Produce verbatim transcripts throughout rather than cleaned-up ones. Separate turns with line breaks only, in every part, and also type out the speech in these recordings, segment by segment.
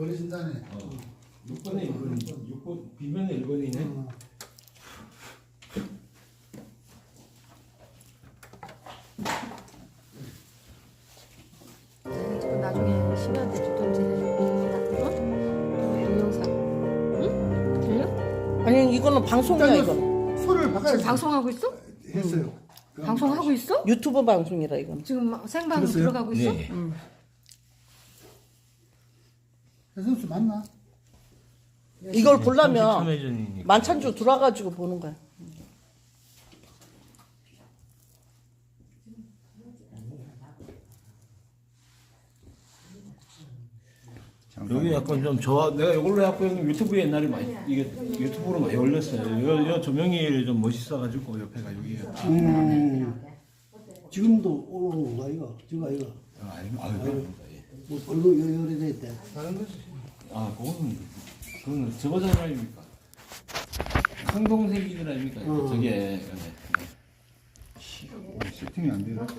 버리신다네.
어. 육 번에 일 번, 육 번 비면에 일 번이네.
어.
나중에 시간 때 주던지 어? 동영상 응? 들려?
아니 이거는 방송이야 이거.
소리를 바꿔야
지금 방송하고 있어?
했어요.
방송하고 있어?
유튜브 방송이라 이건.
지금 생방송
들었어요?
들어가고 있어?
네.
응.
해선수 맞나?
이걸 보려면
참여전이니까.
만찬주 들어와가지고 보는 거야.
여기 약간 좀 저 내가 이걸로 해갖고 형님 유튜브에 옛날에 많이 이게 유튜브로 많이 올렸어요. 요, 요 조명이 좀 멋있어가지고 옆에가 여기가.
음, 지금도 올라오는 거 아이가? 저거 아이가?
아, 아니, 아, 아닙니다. 예.
뭐 얼굴 요요래됐대.
다른 거지.
아, 그거는 그거는 저거잖아요, 아닙니까? 성동생기들 아닙니까?
어.
저게 네.
세팅이 안 되나?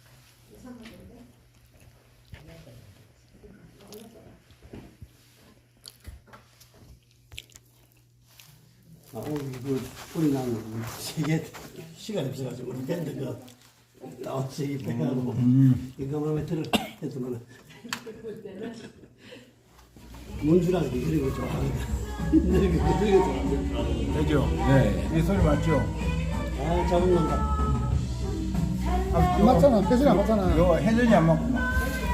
아, 오늘 그 소리 나는 세계 시간이 없어가지고 우리 밴드 그 나온 세계 빼가지고 이거만 왜 들어 했더만 문주랑 이런 거 좋아하거든. 이런 거 좋아하거든.
되죠. 네. 이 소리 맞죠?
아, 잡은다.
안 맞잖아. 패션이 안 맞잖아. 이거 해전이 안 맞구나.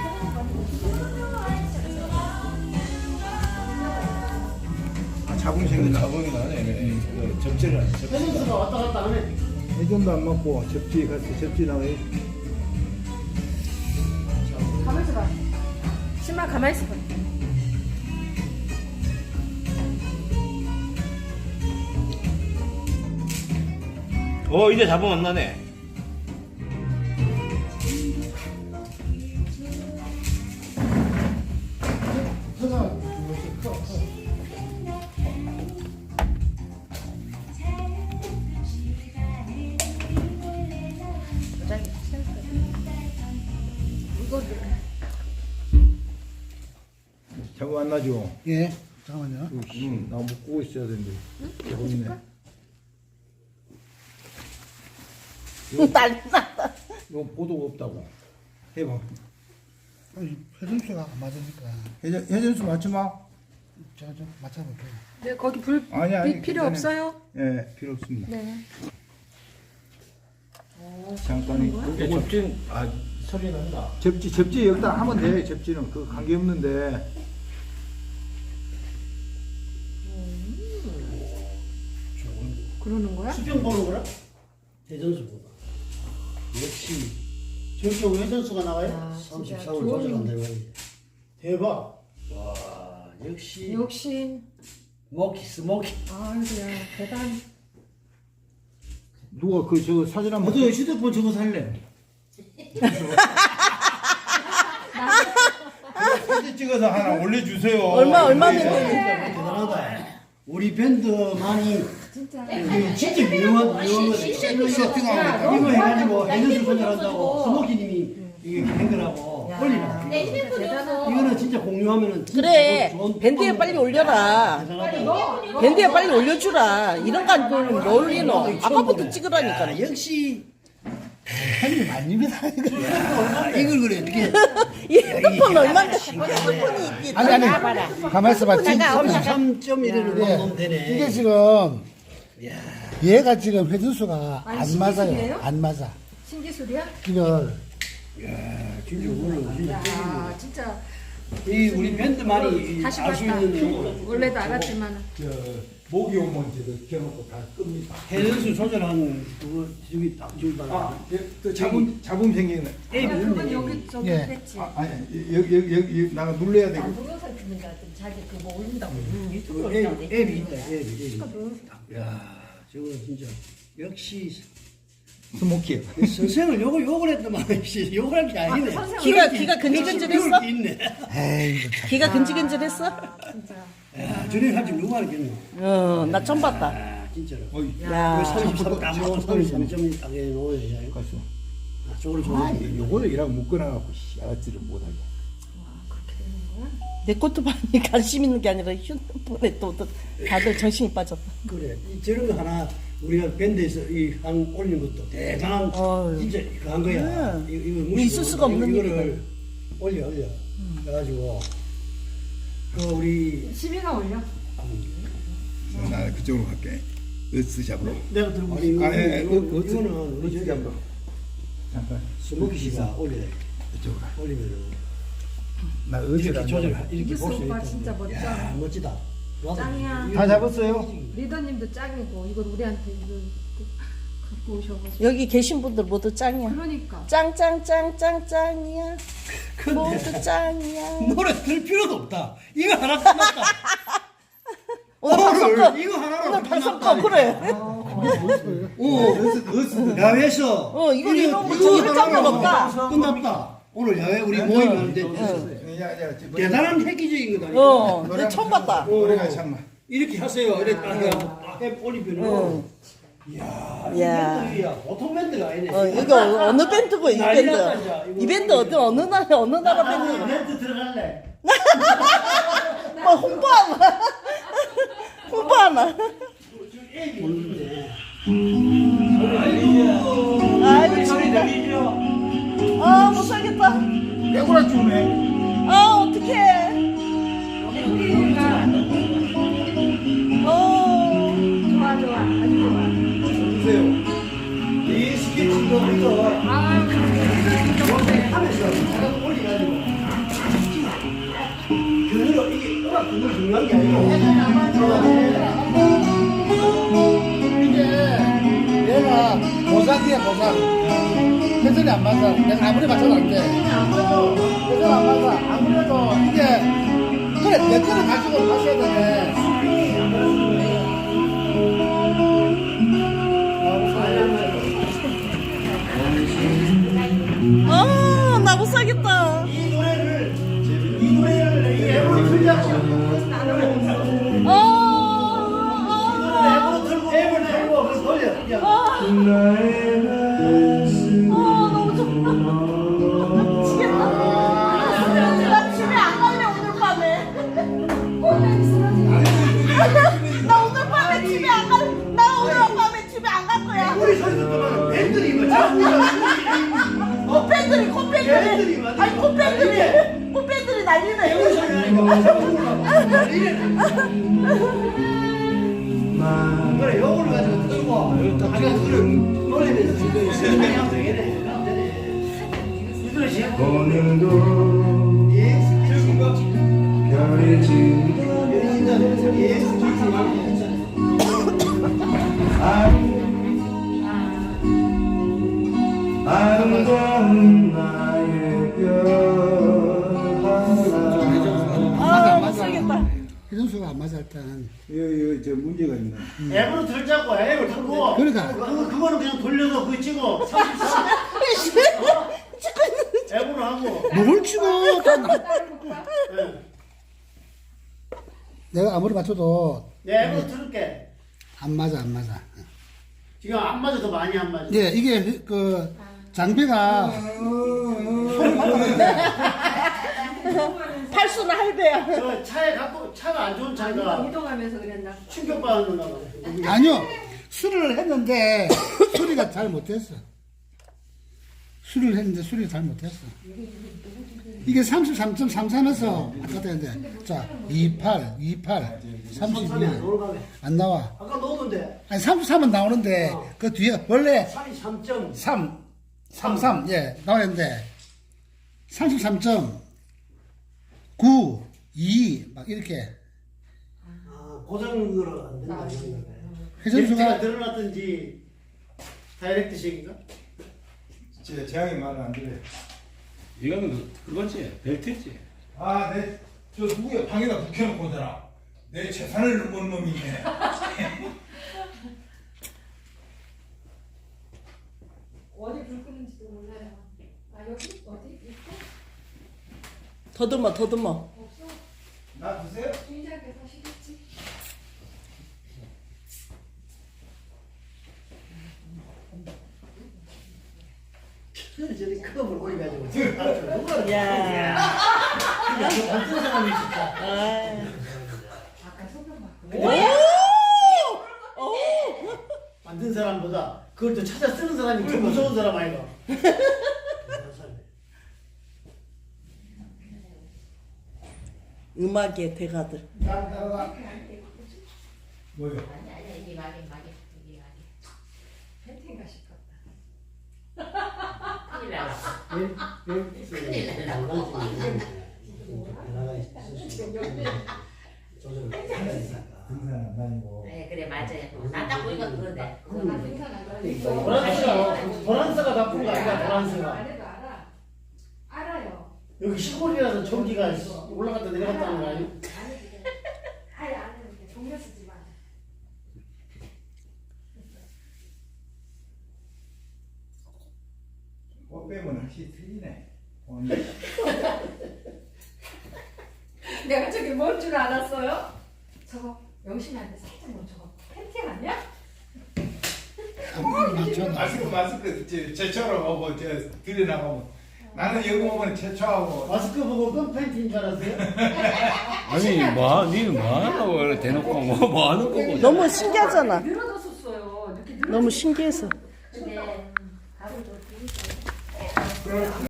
자궁생이
자궁이 나네. 접지를 안 접.
해선수가 왔다 갔다 하네.
해전도 안 맞고 접지 같이 접지 나와요.
가만히 있어봐. 신발 가만히 있어봐.
어, 이제 잡음 안 나네.
자국 안 나죠?
예. 잠깐만요.
응. 나 묶고 있어야 되는데. 보이네.
난리 났다.
이거 보도가 없다고. 해봐.
아니, 회전수가 안 맞으니까
해전, 해전수 맞지 마.
제가 좀 맞춰볼게요.
네, 거기 불
아니, 아니,
빛 필요
괜찮아요.
없어요?
예, 필요 없습니다.
네.
잠깐이.
이게 접진 아 소리 난다.
접지, 접지 여기다 하면 돼. 접지는 그 관계 없는데.
그러는 거야?
수평 보는 거라? 해전수보다. 역시 저렇게 회전수가 나와요?
야, 진짜
삼십삼을
좋은-
조절한다 말이야. 대박. 와, 역시
역시
스모키 스모키.
아이고야 대단.
누가 그 저 사진 한번.
나도 휴대폰 저거 살래.
사진 찍어서 하나 올려주세요.
얼마 얼마면
대단하다. 우리 밴드만이
진짜.
이게 진짜 유명한 유명한 거지.
세팅하고
이거 해가지고 해전수 조절한다고 스모키님이 이게 한 거라고 올리라.
대단하다.
이거는 진짜 공유하면은 진짜
그래.
좋은
밴드에 빨리 올려라.
대단하다.
밴드에 빨리 올려주라. 이런 거 안 올리면 뭐 올리노? 아까부터 찍으라니까.
야, 역시
형님 아닙니다.
아, 이걸 그래 어떻게
이 핸드폰 얼마인데 핸드폰이 이게
아니 아니
봐라.
가만 있어봐. 지금
삼십삼 점 일을
예,
넣으면 되네.
이게 지금 얘가 지금 회전수가
아니,
안 맞아요.
신기술이에요?
안 맞아.
신기술이야?
이걸
진짜 오늘 진짜
야 진짜
이 우리 밴드만이
다시
알 수
봤다.
있는 거.
원래도 알았지만
저 모기 오면 저도 켜놓고 다 끕니다.
해전수 조절한 그거 저기 딱 저기 봐.
아, 예, 또 잡음 잡음 생기네.
앱이
그건
있네.
여기 저기
예.
했지.
아, 아니 여기 여기 여기 나가 눌러야 되고.
동영상 찍는다 좀 자기 그뭐 올린다고
그
유튜브로
앱,
올린다고
앱이 있다. 앱이 앱이. 야, 저거 진짜 역시
스모키.
선생을 욕을 욕을 했더만 씨 욕을 할 게 아니네.
귀가 귀가 근질근질했어?
배울 게 있네.
에이 이거 참.
귀가 근질근질했어?
진짜.
야, 저래 할줄 누가 알겠노?
어, 나 처음 봤다.
아, 진짜로.
어이.
야,
삼십삼 딱 놓은 삼십삼 점이 딱 놓아야
가수.
저걸
아,
좋아해.
요거를 이랑 묶어놔갖고 씨, 알았지를 못하게.
와 그렇게 되는 거야?
내 것도 많이 관심 있는 게 아니라 휴대폰에 또, 또 다들 정신이 빠졌다.
그래. 이 저런 거 하나 우리가 밴드에서 이 한 올리는 것도 대단한
어휴.
진짜 그한 거야.
네.
이거, 이거
있을
무시고
수가 없는
이거를
일이거든.
올려 올려. 그래가지고 그 우리
시비가 올려.
나 그쪽으로 갈게. 으스 잡으러.
내가 들고 이거
아, 예, 예.
이거,
그, 그,
이거는
그,
우리
그,
저기
잡으러. 잠깐.
스모키 씨가 올려.
이쪽으로 가.
올리면은
나 으스
이렇게 조절 이렇게
이규수
볼수
오빠
있다.
진짜 멋져.
야 멋지다.
짱이야.
다 잡았어요?
리더님도 짱이고 이거 우리한테 이거 갖고 오셔가지고.
여기 계신 분들 모두 짱이야.
그러니까.
짱짱짱짱짱이야. 모두 짱이야.
노래 들 필요도 없다. 이거 하나 끝났다.
오늘 발성거
이거 하나로
오늘 발성거 그래.
오, 야외에서
어 이거 이런 거 저기 할 장면 없다.
끝났다. 오늘 야외 우리 모임 하는데
야, 야, 지금
대단한 획기적인 거다.
어, 내 처음 봤다.
노래가 잠만.
이렇게 하세요. 이렇게 딱 해 올리면은
야,
밴드야. 보통 밴드가 아니네.
어 이거 어느 밴드고 이
난리
밴드?
났다, 이제. 이거
이 밴드 어디 어느 나라 어느 나라 밴드?
밴드 들어갈래.
뭐 홍보하나? 홍보하나? 아이고 진짜. 아 못 살겠다.
깨구라 주네.
아 어떡해. 어.
좋아 좋아 아주 좋아.
보세요. 이 스케치도 이거
아유
하면서 내가 올려가지고 그대로 이게 음악 그거 중요한 게 아니고
이게 얘가 보상이야 보상. 회전이 안 맞아. 내가 아무리 맞춰도 안 돼. 회전 안 맞아. 아무래도 이게 그래 내 거를 가지고 마셔야 되네.
아, 나 못 살겠다.
이 노래를 이 노래를 이 앱으로 틀자고
어, 어,
앱으로 틀고 앱을 틀고 그래서 돌려 야.
어, 어, 너무 좋다. 미치겠다. 나 집에 안 갈래, 오늘 밤에. 나 오늘 밤에 집에 안 갈래. 나 오늘 밤에 집에 안 갈 거야.
우리 소리도 그만 밴들이 뭐 자꾸
콧팬들이, 콧팬들이.
밴들이
아니, 콧팬들이. 콧팬들이 난리네.
우리 소리 아니고 그래 요거를 가지고 틀고 아니가 그걸 노래를 지금 생각하면 되겠네 이 노래 제일 예 즐거운 거 별이 진다 예
아름다운 나의 별
아, 못 살겠다.
회전수가 안 맞아 일단.
이거 이거 저 문제가 있네.
앱으로 들자고 앱을 틀고
그러니까.
그거, 그거는 그냥 돌려서 그거 찍어 삼십삼 앱으로 하고
뭘 치고 다 나-
예.
내가 아무리 맞춰도
내 앱으로 틀을게
안 맞아 안 맞아.
지금 안 맞아 더 많이 안 맞아
예, 이게 그 장비가
팔수는 할배야.
저 차에 갖고 차가 안 좋은 차가
이동하면서 그랬나?
충격받는다
아니요 수리를 했는데 수리가 잘 못했어. 수리를 했는데 수리가 잘 못했어. 이게 삼십삼 점 삼삼에서 아까 했는데 자 이십팔, 이십팔, 삼십이 안 나와.
아까 넣었는데
아니 삼십삼은 나오는데 그 뒤에 원래
삼십삼 점
삼, 삼십삼 예 나오는데 삼십삼 점 구, 이 막 이렇게
아, 고정으로 안 된다
회전수가
가 늘어났든지 다이렉트식인가?
제 재앙이 말을 안 들어요.
이거는 그- 그거지 벨트지.
아, 내 저 누구야 방에다 묵혀놓고 오잖아. 내 재산을 넘은 놈이네.
어디 불 끄는지도 몰라요. 아 여기 어디 있어?
더듬어, 더듬어.
나 드세요?
주인장께서 하시겠지.
저리 컵을 올려가지고 누가
야.
만든 사람이 진짜.
아까 소변 받고.
만든 사람보다 그걸 또 찾아 쓰는 사람이 더 무서운 사람 아이가.
음악의 대가들.
뭐요?
아니 아니 이게 막이 막이 이게 막이.
팬팅 가실 것
큰일 날라.
큰일
등산 안 다니고
네 그래 맞아요. 나딱 보니까 그런데.
같다. 등산 안 가니까.
도란스가 도란스가 나쁜 거 아니야
안
도란스가.
해도 알아. 알아요.
여기 시골이라서 전기가 올라갔다 내려갔다는 거 아니야?
아예 안 해도 돼. 동네 쓰지 마.
꽃 빼면 확실히 틀리네. 어,
내가 저게 뭔 줄 알았어요? 저거 영심이한테 살짝 뭐 저거 팬팅 아니야?
마스크 마스크 제- 제처럼 하고 저 들여나가면 나는 여기 오면 제처하고
마스크 보고 끈 팬티인 줄 알았어요?
아니 뭐 니는 뭐 하냐고 그래 대놓고 뭐, 뭐 하는 거고.
너무 신기하잖아.
늘어졌었어요. 이렇게 늘어졌
너무 신기해서.
근데